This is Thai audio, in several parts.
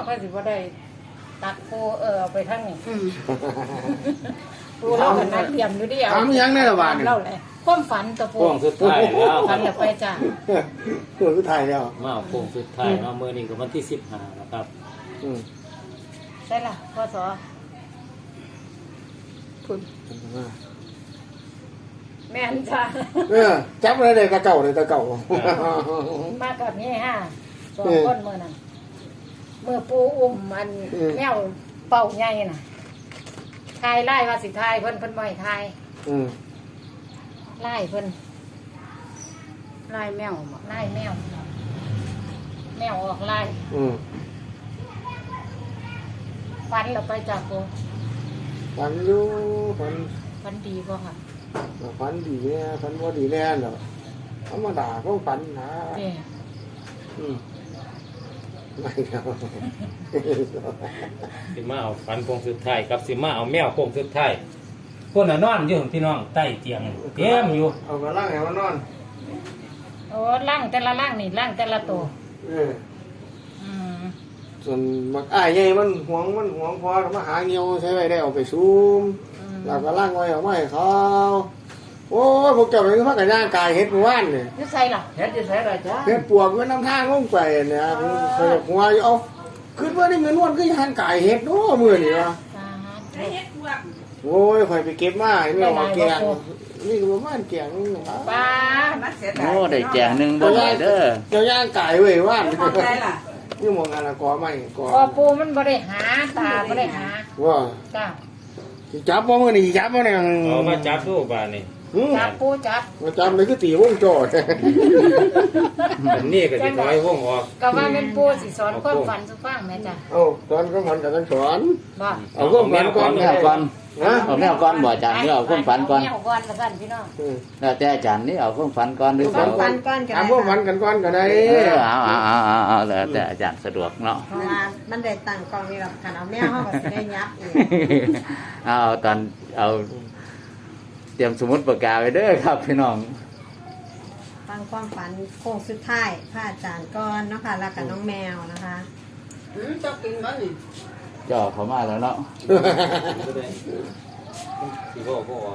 ก็สิบ่ได้ตักปูเอาไปทั้งนี้ปูเราก็นัดเตรียมอยู่ดิเอาถามยังในระหว่างนี่เล่าเลยความฝันตัวปูโค้งสุดท้ายแล้วฝันแล้วไปจ้ะตัวสุดท้ายแล้วมาเอาโค้งสุดท้ายมาเมื่อนี้ก็วันที่15นะครับใช่ล่ะพ่อสอคุณแม่นจ้ะจับอะไรได้ตะเก่าเลยตะเก่ามากับนี่ฮะสองคนเมื่อนั้นเมื่อปูอุ้มมันแมวเป่าใหญ่น่ะทายไล่ว่าสิทายเพิ่นบ่ให้ทายไล่เพิ่นไล่แมวไล่แมวแมวออกไล่ฟันเราไปจากปูฝันอยู่ฝันฟันดีบ่ค่ะฝันดีแน่ฝันว่าดีแน่เนาะธรรมดาก็ฝันนะนี่ไม่ครับสิมาเอาฝันโค้งสุดท้ายกับสิมาเอาแมวโค้งสุดท้ายคนน่ะนอนอยู่พี่น้องใต้เตียงเต็มอยู่เอามาล่างให้มันนอนโอ้ล่างแต่ละล่างนี่ล่างแต่ละตัวมส่วนมักอ้ายใหญ่มันหวงพอมาหาเงี้ยวใช้ไว้ได้เอาไปซูมแล้วก็ล่างไว้เอาไว้ให้เขาโอ้ยพวกเจ้าเป็นพักกันย่างกายเฮ็ดว่านเนี่ยนี่ใส่ล่ะเฮ็ดจะใช้อะไรจ้าเฮ็ดปวกไว้น้ำทางลงไปเนี่ยเคยหัวอยู่เอาขึ้นว่าได้เงินวันก็ย่างกายเฮ็ดโอ้มื้อนี่วะ โอ้ยข่อยไปเก็บมาเนี่ยว่าแกงนี่ก็ประมาณแกงนึงป้าโอ้ได้แจงหนึ่งบ่ได้เด้อเจ้าย่างไก่เว้ยว่านพอใจล่ะนี่มองงานละกอไม่กอพอปูมันบ่ได้หาตาบ่ได้หาว่าจ้าสิจับบ่มื้อนี้สิจับบ่เนี่ยเอามาจับดูบ้านนี่จับปูจับมาจับเลยคือตีวงโจดอันนี้ก็สิถอยวงออกก็ว่าแม่นปูสิสอนความฝันสุฟังแม่จ้ะเอ้าตอนก็มันก็ต้องสอนบ่เอาพวกมันก่อนแมวก่อนนะเอาแมวก่อนบ่อาจารย์หรือเอาความฝันก่อนแมวก่อนละกันพี่น้องแล้วแต่อาจารย์นี่เอาความฝันก่อนหรือคเปวาล่ามฝันก้อนกันถามพวกมันกันก่อนก็ได้เอาแล้วแต่อาจารย์สะดวกเนาะเพราะว่ามันได้ตั้งกองนี่หรอกคันเอาแมวเฮาก็สิได้ยับอีกเอาตอนเอาเตรียมสมุดปากกาไว้เด้อครับพี่น้องฟังความฝันโค้งสุดท้ายพระอาจารย์ก่อนเนาะค่ะแล้วกับน้องแมวนะคะจะกินมั้ยนี่จ่อเขามาแล้วเนาะสิบ่ออก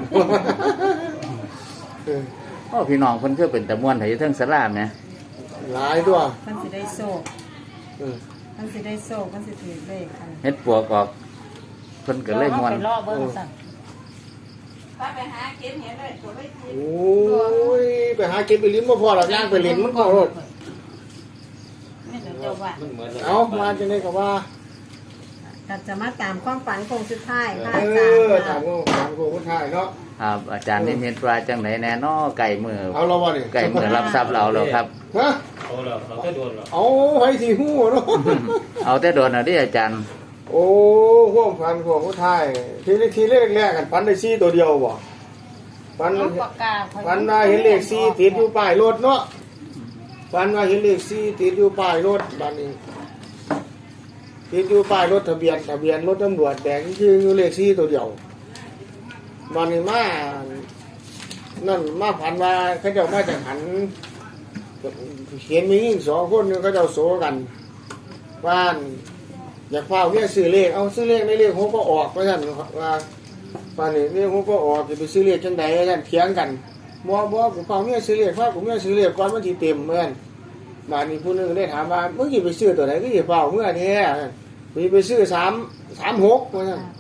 โอ้พี่น้องเพิ่นคือเป็นตะม่วนไถเทิงสลาแหมหลายตัวมันสิได้โศกมันสิได้โศกมันสิถือเลขกันเฮ็ดปวกออกเพิ่นก็เลยม่วนไปรอเบิ่งสั่นไปหาเก็บเห็นเลยตัวไม่กินโอ้ยไปหาเก็บไปลิ้นบ่พอหรอกย่างไปลิ้นมันพอรถนี่เดี๋ยวเจ้าว่ามันเหมือนเอามาจังได๋ก็ว่าก็จะมาตามความฝันโค้งสุดท้ายพระเออาจารย์อถามคนไทยเนาะครับอาจารย์นิมิตว่าจังไหนแน่นอไก่มือเอาเราบ่นี่ไก่มือรับทรัพย์เราแล้วครับฮะเอาแล้วเราก็โดนแล้วเอาไว้สิฮู้เนาะเอาแต่โดนเอาดิอาจารย์โอ้พวกพันพวกผู้ไทยทีแรกกันพันได้ซี่ตัวเดียวบ่พันเอาปากกาพันว่าเห็นเลขซี่ติดอยู่ป้ายรถเนาะพันว่าเห็นเลขซี่ติดอยู่ป้ายรถบัดนี้ติดอยู่ป้ายรถทะเบียนรถตำรวจแดงคืออยู่เลขซี่ตัวเดียวบัดนี้มานั่นมาพันว่าเขาเจ้ามาจากหันเขียนมียิ่งสองคนนึงเขาเจ้าโสกันบ้านอยากเฝ้าเนี่ยซื้อเลขเอาซื้อเลขในเลขเขาก็ออกเพราะฉะนั้นว่าป่านนี้เลขเขาก็ออกจะไปซื้อเลขจังใดนั่นเถียงกันบ่กูเฝ้าเนี่ยซื้อเลขกูเนี่ยซื้อเลขก่อนมันสิเต็มเหมือนบ้านนี้ผู้นึงได้ถามว่ามึงสิไปซื้อตัวไหนก็สิเฝ้าเมื่อแท้ไปซื้อ336ว่าซั่น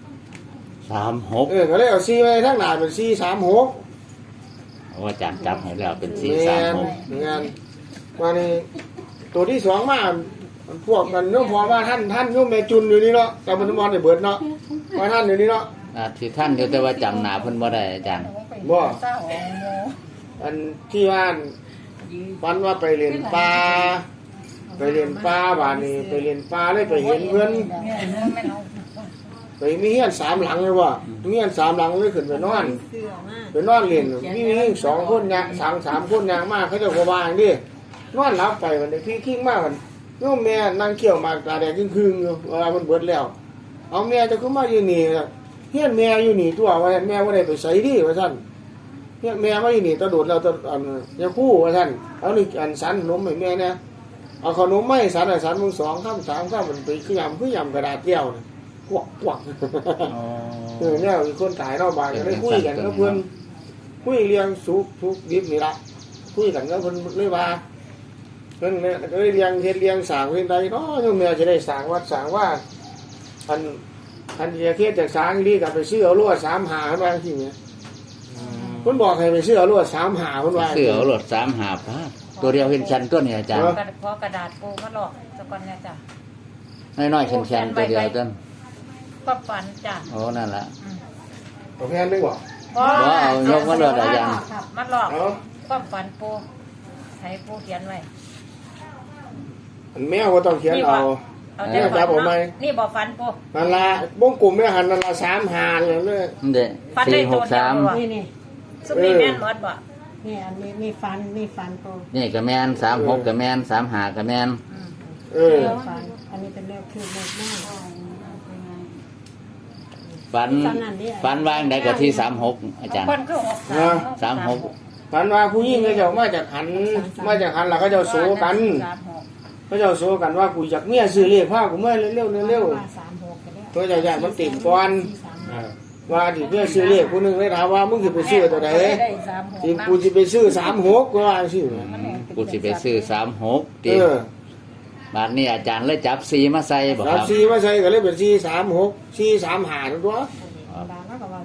36 ก็เลยเอา4ไว้ทางหน้าเป็น436 โอ้อาจารย์จับให้แล้วเป็นแม่นมานี่ตัวที่สองมาพวกกันเนาะพอว่าท่านโยมแม่จุนอยู่นี่เนาะแต่มันมอนได้เบิดเนาะว่าท่านอยู่นี่เนาะที่ท่านอยู่แต่ว่าจำหน้าเพิ่นบ่ได้อาจารย์อันที่ว่าวันว่าไปเรียนปลาบ้านนี้ไปเรียนปลาเลยไปเห็นเพื่อนไปมีเฮียน3หลังเลยว่ะมีเฮียน3หลังเลยขึ้นไปนอนเสื้อมากไปนอนเรียนมี2คนยาง3คนยางมากเขาจะก็ว่าอย่างนี้นอนหลับไปวันนี้พี่คิงมากมันโยมแม่นั่งเกี่ยวมากตาแดงครึ่งๆอยู่เวลามันเบิดแล้วเอาแม่จะขึ้นมาอยู่นี่เฮียนแม่อยู่นี่ตัวว่าแม่ว่าได้ไปใส่ดิว่าท่านเฮียนแม่มาอยู่นี่ตะโดดแล้วตะอันยาคู่ว่าท่านเอานี่อันสันนมให้แม่เนี่ยเอาขนมไม้สารมึง2 ค่ำ 3 ค่ำมันไปคือยำกระดาษแก้วนะกวักอ๋อเนี่ยมีคนตายนอกบ้านก็ได้คุยกันกับเพื่อนคุยเรียงสุกดิบนี่ละคุยกันกับเพื่อนเลยว่าเพื่อนเนี่ยก็ได้เรียงสางเรื่องใดเนาะโยมแม่จะได้สางวัดสางว่าอันเดียเทียจากสางนี่กับไปซื้อเอาลวด3 หาขึ้นมาทีเนี้ยคนบอกให้ไปซื้อเอาลวด3 หาขึ้นมาเสือเอารถ3 หาพาตัวเดียวเห็นชันตัวนี้อาจารย์พอกระดาษปูมาหลอกสะก่อนเนี่ยจ้ะน้อยๆชันๆตัวเดียวต้นก็ฝันจ้ะโอ้นั่นล่ะตัวแพนนึกว่าบ่เอายกมาโลดอาจารย์มาหลอกความฝันปูให้ปูเขียนไว้อันแมวก็ต้องเขียนเอาเอาแต่ฝันเนาะนี่บอกฝันปูนั่นละวงกลมไม่หันนั่นละ3 หาเลยเนี่ยเด้ฝันได้ตัวเดียว 463 นี่นี่สุมีแม่นหมดบ่นี่อันนี้มีฟันปูนี่ก็แม่น36ก็แม่น3 หาก็แม่นฟันอันนี้เป็นเลขคือเลขแม่ฝันวางได้ก็ที่36อาจารย์คนก็ 36 ฝันว่าผู้หญิงเขาเจ้ามาจากหันแล้วเขาเจ้าโซกันเขาเจ้าโซกันว่ากูอยากเมียซื้อเลขผ้ากูเมื่อเร็วเพื่อจะอยากมันติดก่อนว่าที่เพื่อซื้อเลขผู้นึงเลยถามว่ามึงจะไปซื้อตัวไหนที่กูจะไปซื้อ36ก็ว่าซื้อกูสิไปซื้อ36ติบาดนี้อาจารย์เลยจับ4มาใส่บ่ครัรับบ4มาใส่ก็เลยเป็น436 435ตัวบางแล้วก็ว่า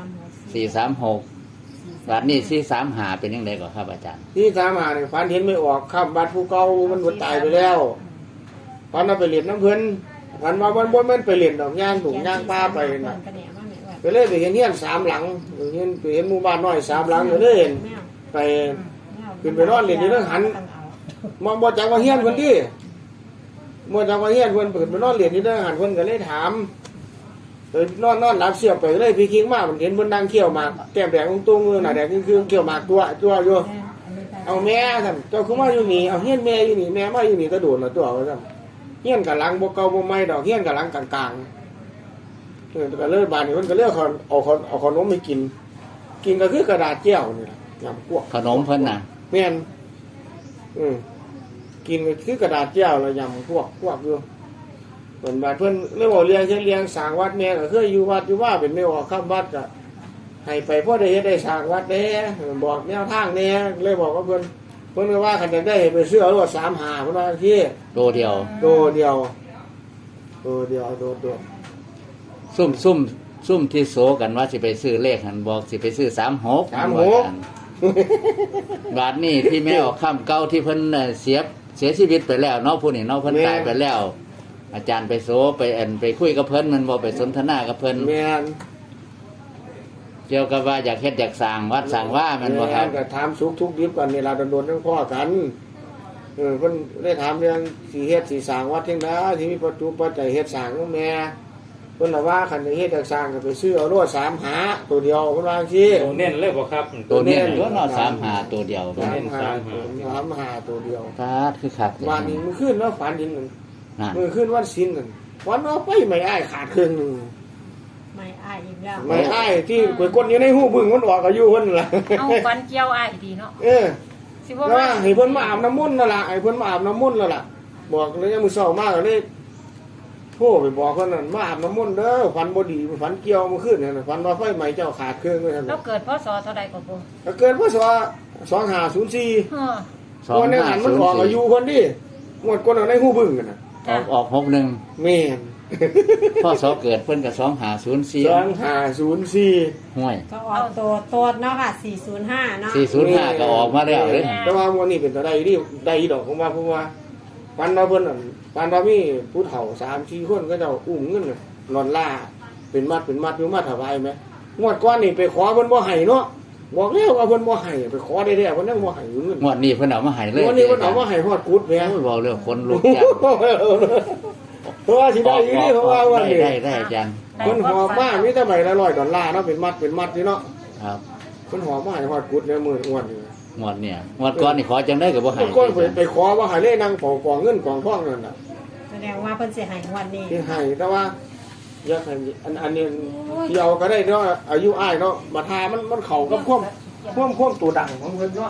436บาดนี้435เป็นจังได๋ก็ครับอาจารย์ 435นี่ฝันเห็นไม่ออกข้ามบัดผู้เก่ามันบ่ตายไปแล้วฝันว่าไปเล่นน้ำเพิ่นฝันว่ามันไปเล่นดอกย่างถุงย่างป้าไปน่ะไปเลยไปเห็นเฮียน3 หลังไปเห็นหมู่บ้านน้อย3 หลังก็เลยเห็นไปขึ้นไปนอนเล่นอยู่เรื่องหันบ่จักว่าเฮียนเพิ่นติบ่จักว่าเฮียนเพิ่นเปิดไปนอนเล่นอยู่เรื่องหันเพิ่นก็เลยถามนอนหลับเสียบไปเลยพี่คิงมามันเห็นเพิ่นนั่งเคี้ยวหมากแก้มแดงตุ้งๆหน้าแดงคือเคี้ยวหมากตัวอยู่เอาแม่ท่านเจ้าคือมาอยู่นี่เอาเฮียนแม่อยู่นี่แม่มาอยู่นี่ตะโดนน่ะตัวว่าซั่นเฮียนกะหลังบ่เก่าบ่ใหม่ดอกเฮียนกะหลังกลางๆก็เลยบาดนี้เพิ่นก็เลยเอาขนมไปกินก็คือกระดาษแก้วนี่ล่ะยำพวกขนมเพิ่นน่ะแม่นกินก็คือกระดาษแก้วแล้วยำพวกอยู่เพิ่นบาดเพิ่นเลยบอกเลี้ยงสร้างวัดแม่ก็เคยอยู่วัดอยู่ว่าเป็นไม่ออกข้ามวัดก็ให้ไปพอได้เฮ็ดได้สร้างวัดแน่บอกแนวทางแน่เลยบอกว่าเพิ่นก็ว่าคันจะได้ไปซื้อเอารถ3 หาเพิ่นว่าที่ตัวเดียวโดเดียวซุ่มที่โสกันว่าสิไปซื้อเลขหันบอกสิไปซื้อ36บาดนี้ที่แม่ออกค่ำเก่าที่เพิ่นเสียชีวิตไปแล้วเนาะผู้นี้เนาะเพิ่นตายไปแล้ว อาจารย์ไปโสไปคุยกับเพิ่นมันบ่ไปสนทนากับเพิ่นแม่นเกี่ยวกับว่าอยากเฮ็ดอยากสร้างวัดสร้างว่ามันบ่ครับก็ถามสุขทุกข์ดิบกันเวลาโดนทั้งพ่อกันเพิ่นได้ถามเรื่องสิเฮ็ดสิสร้างวัดจังได๋ที่มีปัจจุบันใจเฮ็ดสร้างของแม่เพิ่นว่าคันจะเฮ็ดอยากสร้างก็ไปซื้อเอารถ3 หาตัวเดียวเพิ่นว่าจังซี่ตัวเน้นเลยบ่ครับตัวนี้ตัวเนาะ35ตัวเดียว 3 หาตัวเดียวฟาดคือคักวันนี้มื้อคืนเนาะฝันเห็นนั่นมื้อคืนวันศีลนั่นวันเอาไปไม่อ้ายขาดครึ่งนึงไม่อ้ายอีกแล้วไม่อ้ายที่กวยกดอยู่ในหูบึ้งมันออกอายุเพิ่นล่ะเอาฝันเกี่ยวอ้ายดีเนาะ สิบ่ว่าว่าให้เพิ่นมาอาบน้ำมนต์นั่นล่ะให้เพิ่นมาอาบน้ำมนต์แล้วล่ะบอกเลยยังมื้อเช้ามาก็เลยโทรไปบอกเพิ่นนั่นมาอาบน้ำมนต์เด้อฝันบ่ดีฝันเกี่ยวเมื่อคืนนั่นฝันว่าไฟไหม้เจ้าขาดเครื่องว่าซั่นเราเกิดพศเท่าใดก็บ่ก็เกิดพศ2504 เออวันนี้หันมันออกอายุเพิ่นดิหมดคนเอาในหูบึ้งกันน่ะออก61 แม่นพ่อสอเกิดเพิ่นก็2504 2504 ห่วยก็ออกตัวเนาะค่ะ405เนาะ 405ก็ออกมาแล้วเด้แต่ว่าวันนี้เป็นตัวใดที่ได้ดอกของว่าเพราะว่าปันเราเพิ่นนั่นปันเรามีผู้เฒ่า3-4คนก็เจ้าอุ้มเงินน่ะนอนล่าเป็นมัดอยู่มาถวายมั้ยงวดก่อนนี่ไปขอเพิ่นบ่ให้เนาะบอกแล้วว่าเพิ่นบ่ให้ไปขอได้แท้เพิ่นยังบ่ให้เงินงวดนี้เพิ่นเอามาให้เลยวันนี้เพิ่นเอามาให้ฮอดกุดแม่โอ้ยบอกเรื่องคนลุกจังเพราะว่าสิได้อยู่นี่เพราะว่าวันนี้ได้อาจารย์เพิ่นหอบมามีแต่ใบละ$100เนาะเป็นมัดนี่เนาะครับเพิ่นหอบมาให้ฮอดกุดแล้วมื้ออ้วนนี่งวดเนี่ยงวดก่อนนี่ขอจังได้ก็บ่ให้เพิ่นก็ไปขอว่าให้เลยนั่งกองเงินกองทองนั่นน่ะแสดงว่าเพิ่นสิให้วันนี้ที่ให้แต่ว่าอยากให้อันนี้ที่เอาก็ได้เนาะอายุอ้ายเนาะบัดหามันเข้ากับความตัวดังของเพิ่นเนาะ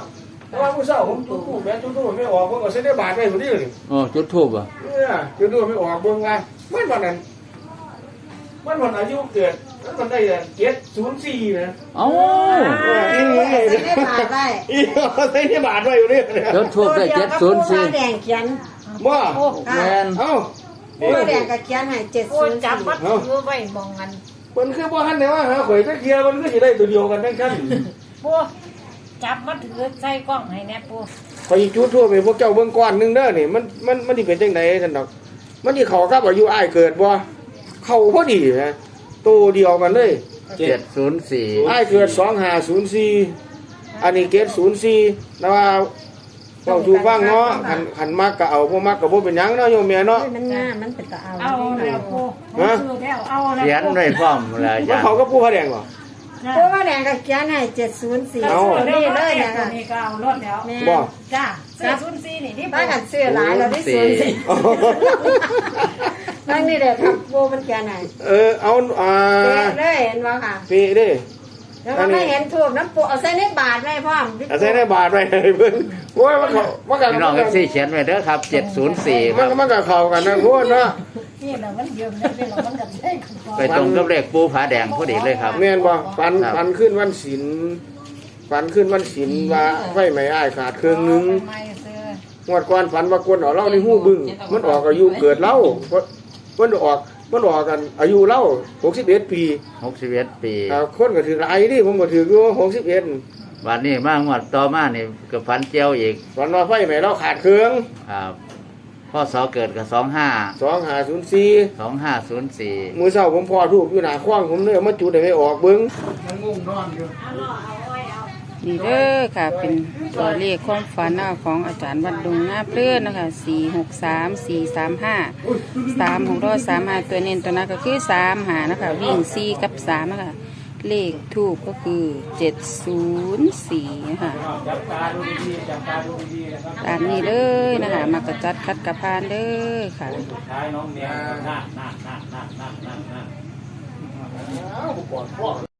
แต่ว่าผู้เศร้าผมจุดทูบแม่จุดทูบไม่ออกผมก็เส้นได้บาทไปคนนี้เลยโอ้จุดทูบอ่ะเนี่ยจุดทูบไม่ออกเบิ่งว่ามันวันนั้นมันวันอายุเกิดมันได้704นะเอ้าจะได้ผ่านได้อีเส้นได้บาทไว้อยู่นี่จุดทูบได้ตัว 704 แดงเขียนบ่แม่นเอ้าตัวแดงกับเขียนให้โอ้จับมัด 704 มือไว้มองกันมันคือบ่ทันได้ว่าหาข่อยตะเกียบมันก็สิได้ตัวเดียวกันทั้งคันปูจับมัดถือใส่กล้องให้แน่ปูข่อยจุดทูบให้พวกเจ้าเบิ่งก่อนนึงเด้อนี่มันสิเป็นจังได๋ท่านดอกมันสิเข้ากับอายุอ้ายเกิดบ่เข้าพอดีนะตัวเดียวกันเลย 704 อ้ายเกิด2504อันนี้เกต04แต่ว่าเว้าสู่ฟังเนาะคันมักก็เอาบ่มักก็บ่เป็นหยังเนาะโยมแม่เนาะมันงามมันเป็นตาเอาเอาแล้วปูผมซื้อแล้วเอาแล้วเขียนไว้พร้อมแล้วอามัจาน รย์เขาก็ผู้พระแดงบ่ตัวแดงกับเขียนให้704 เอานี่เลยนะตัคะวนี้ก็เอารถแล้วแม่บ่จ้า404นี่ที่บ้านกันซื้อหลายเราได้04นั่นนี่แหละครับโบมันเขียนให้เอาเเลยเห็นบ่ค่ะปีเด้แล้วก็ไม่เห็นถูกน้ำปูเอาใส่ในบาทไว้พร้อมอาศัยได้บาทไปให้เพิ่นโอ้ยมันก็พี่น้อง FC เขียนไว้เด้อครับ704คมัรันบมันก็เข้ากันนะพวกเนาะนี่แหละมันเยิมนี่เป็นมันกับใช่กันไปตรงกับเลขปูผาแดงพอดีเลยครับแม่นบ่ปันขึ้นวันศีลปันขึ้นวันศีลว่าไฟไหม้อ้ายขาดเครื่องนึงไม่ซื้องวดก่อนฝันว่ากวนเอาเหล้าในหู้บึ้งมันออกอายุเกิดเหล้ามันออกกันอายุเหล้า61 ปี 61 ปีคนก็ถือหลายนี่ผมก็ถืออยู่61 วันนี้มางวดต่อมานี่ก็ฝันเจียวอีกฝันว่าไฟไหม้เราขาดเครื่องครับพ่อสอเกิดกับ 2504 2504 มื้อเช้าผมพอทูบอยู่หน้าคว้างผมเลยเอามาจุดให้ไม่ออกเบิ่งมันงงนอนอยู่นี่เด้อค่ะเป็นตัวเลขความฝันของอาจารย์วัดดงนาเพลื่อนนะคะ463 435 3ของรอด35ตัวเน้นตัวนั้นก็คือ3หานะคะวิ่ง4กับ3นะคะเลขทูบก็คือ704นะคะจับตาดูดีๆจับตาดูดีๆนะครับตามนี้เลยนะคะมากระจัดคัดกระพานเด้อค่ะสุดท้ายน้องแมวนั่นอ้าวบ่ก่อนพ่อ